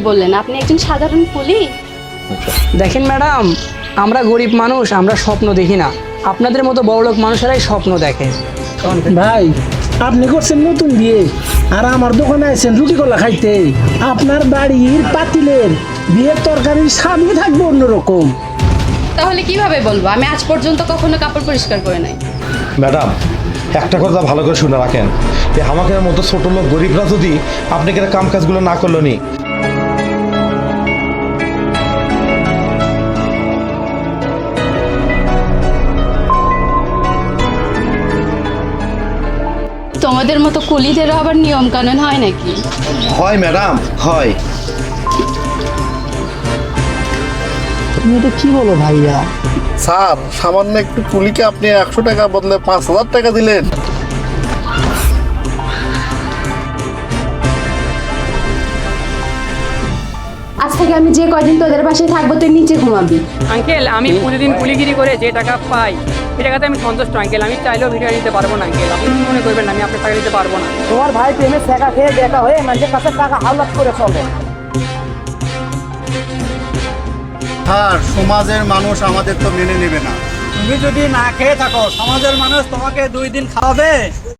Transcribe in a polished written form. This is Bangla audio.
বললেন? আপনি একজন সাধারণ কুলি? দেখেন ম্যাডাম, আমরা গরিব মানুষ, আমরা স্বপ্ন দেখি না, আপনাদের মতো বড়লোক মানুষেরাই স্বপ্ন দেখে। ভাই, আপনি করছেন নতুন বিয়ে আর আমার দোকানে আছেন রুটি কলা খাইতে। আপনার বাড়ির পাতিলের বিয়ের তরকারির স্বাদই থাকবে অন্যরকম। তাহলে কিভাবে বলবো আমি আজ পর্যন্ত কখনো কাপড় পরিষ্কার করে নাই? ম্যাডাম, একটা কথা ভালো করে শুনে রাখেন, যে আমাকে মতো ছোট লোক গরিবরা যদি আপনাকে কাম কাজগুলো না করলো নি, তোমাদের মতো কুলিদেরও আবার নিয়ম কানুন হয় নাকি? হয় ম্যাডাম, হয়। তুমি এটা কি বলো ভাইয়া? স্যার, সামান্য একটু কুলিকে আপনি 100 টাকা বদলে 5,000 টাকা দিলেন। আজ থেকে আমি যে কয়দিন তোদের বাসায় থাকবো তুই নিচে ঘুমাবি। আঙ্কেল, আমি প্রতিদিন কুলিগিরি করে যে টাকা পাই সে টাকাতে আমি সন্তুষ্ট আঙ্কেল। আমি চাইলেও ভিডিও নিতে পারবো না আঙ্কেল, আপনি কি মনে করবেন আমি আপনার টাকা দিতে পারবো না? তোমার ভাই প্রেমে শেখা খেয়ে দেখা হয়ে মানুষের কাছে টাকা হাওলাত করে চলে। স্যার, সমাজের মানুষ আমাদের তো মেনে নেবে না। তুমি যদি না খেয়ে থাকো, সমাজের মানুষ তোমাকে 2 দিন খাওয়াবে?